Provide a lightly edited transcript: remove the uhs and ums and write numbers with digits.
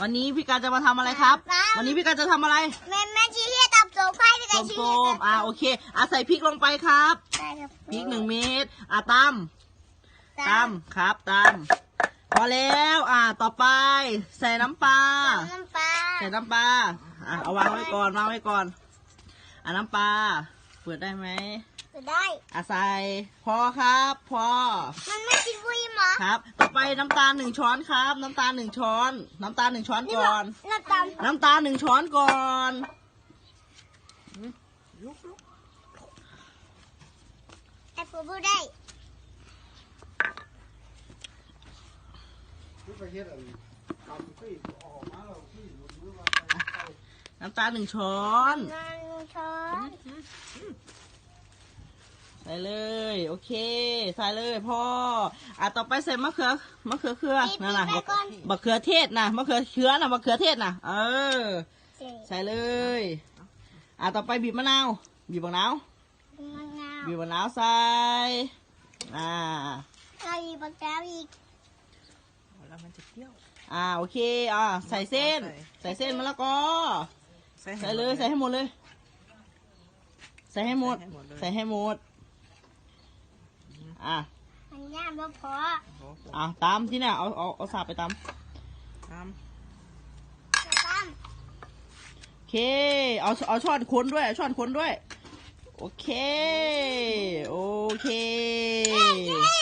วันนี้พี่การจะมาทำอะไรครับวันนี้พี่การจะทำอะไรแม่ชี้ให้ตับโซ่ไฟพี่การชี้ให้ตับโอเคใส่พริกลงไปครับพริก1 เม็ดตำครับตำพอแล้วต่อไปใส่น้ำปลาใส่น้ำปลาเอาวางไว้ก่อนน้ำปลาเปิดได้ไหมได้ใส่พอครับพอมันไม่กินบุยหรอครับต่อไปน้ำตาล1 ช้อนครับน้ำตาล1 ช้อนน้ำตาล1 ช้อนก่อนน้ำตาล1 ช้อนก่อนไอ้ผู้ได้น้ำตาล1 ช้อน ใส่เลยโอเคใส่เลยพ่อต่อไปใส่มะเขือนั่นน่ะมะเขือเทศนะมะเขือเทศนะใส่เลยต่อไปบีบมะนาวใส่ใส่บีบมะนาวอีกแล้วมันจะเปรี้ยวโอเคใส่เส้นมะละกอใส่เลยใส่ให้หมดเลยใส่ให้หมดมันย่างพอตามที่เนี่ยเอาสาบไปตามโอเคเอาช้อนคนด้วยโอเค